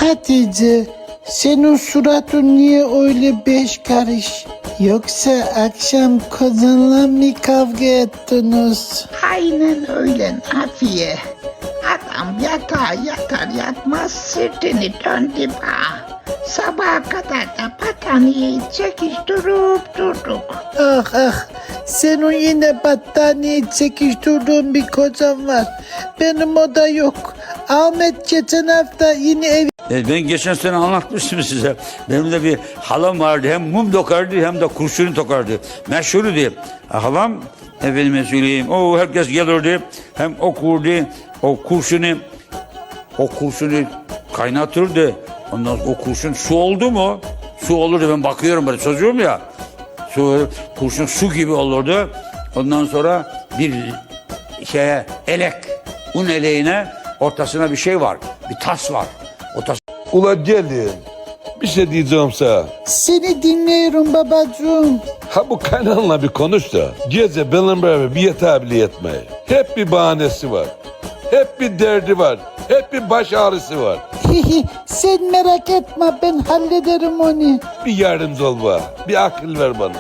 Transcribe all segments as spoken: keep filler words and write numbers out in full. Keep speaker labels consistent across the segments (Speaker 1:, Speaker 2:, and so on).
Speaker 1: Hatice, senin suratın niye öyle beş karış? Yoksa akşam kocanla mı kavga ettiniz?
Speaker 2: Aynen öyle Nafiye. Adam yatağa yatar yatmaz sırtını döndü bana. Sabaha kadar da battaniyeyi çekiştirip durduk.
Speaker 1: Ah ah, senin yine battaniye çekiştirdiğin bir kocan var. Benim o da yok. Ahmet geçen hafta yine ev...
Speaker 3: E, ben geçen sene anlatmıştım size. Benim de bir halam vardı. Hem mum dokardı hem de kurşunu tokardı. Meşhurdu diye. Halam efendime söyleyeyim. O herkes gelirdi. Hem okurdu. O kurşunu o kurşunu kaynatırdı. Ondan sonra o kurşun su oldu mu? Su olurdu. Ben bakıyorum böyle çocuğum ya. Su, kurşun su gibi olurdu. Ondan sonra bir şeye elek. Un eleğine ortasına bir şey var. Bir tas var. O tas
Speaker 4: Ula gelin. Bir şey diyeceğim sana.
Speaker 1: Seni dinliyorum babacığım.
Speaker 4: Ha bu kaynanla bir konuş da. Gece benimle beraber bir yatağa bile yatmayı. Hep bir bahanesi var. Hep bir derdi var. Hep bir baş ağrısı var.
Speaker 1: Sen merak etme, ben hallederim onu.
Speaker 4: Bir yardımcı ol bana. Bir akıl ver bana.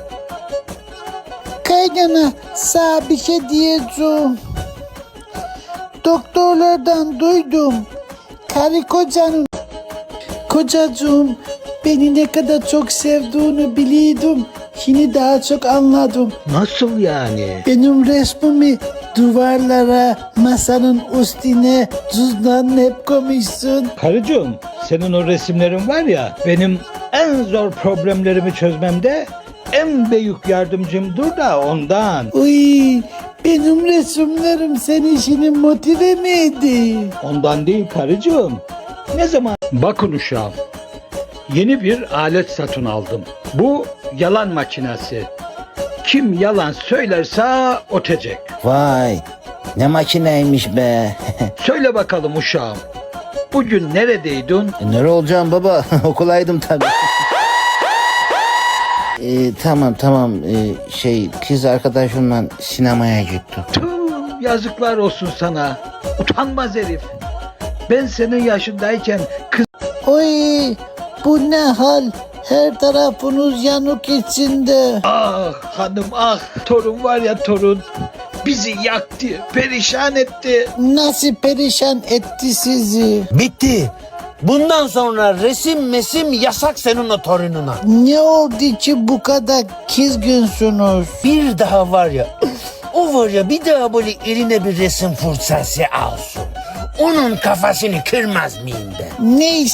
Speaker 1: Kaynana, sana bir şey diyeceğim. Doktorlardan duydum. Karı kocanın... Kocacığım, beni ne kadar çok sevdiğini biliyordum. Şimdi daha çok anladım.
Speaker 2: Nasıl yani?
Speaker 1: Benim resmimi duvarlara, masanın üstüne, cüzdanla hep koymuşsun.
Speaker 5: Karıcığım, senin o resimlerin var ya, benim en zor problemlerimi çözmemde en büyük yardımcımdır da ondan.
Speaker 1: Uy, benim resimlerim senin işini motive mi etti?
Speaker 5: Ondan değil karıcığım. Ne zaman? Bakın uşağım, yeni bir alet satın aldım. Bu yalan makinesi. Kim yalan söylerse ötecek.
Speaker 6: Vay, ne makineymiş be.
Speaker 5: Söyle bakalım uşağım, bugün neredeydin?
Speaker 6: E, nere olacağım baba? Okulaydım tabii. Ee, tamam tamam ee, şey kız arkadaşımla sinemaya gittim.
Speaker 5: Tüh, yazıklar olsun sana. Utanmaz herif. Ben senin yaşındayken kız...
Speaker 1: Oy, bu ne hal? Her tarafınız yanık içinde.
Speaker 5: Ah hanım ah, torun var ya torun. Bizi yaktı, perişan etti.
Speaker 1: Nasıl perişan etti sizi?
Speaker 7: Bitti. Bundan sonra resim mesim yasak senin o torununa.
Speaker 1: Ne oldu ki bu kadar kızgınsınız?
Speaker 7: Bir daha var ya, o var ya bir daha böyle eline bir resim fırsatı alsın. Onun kafasını kırmaz mıyım ben?
Speaker 1: Ne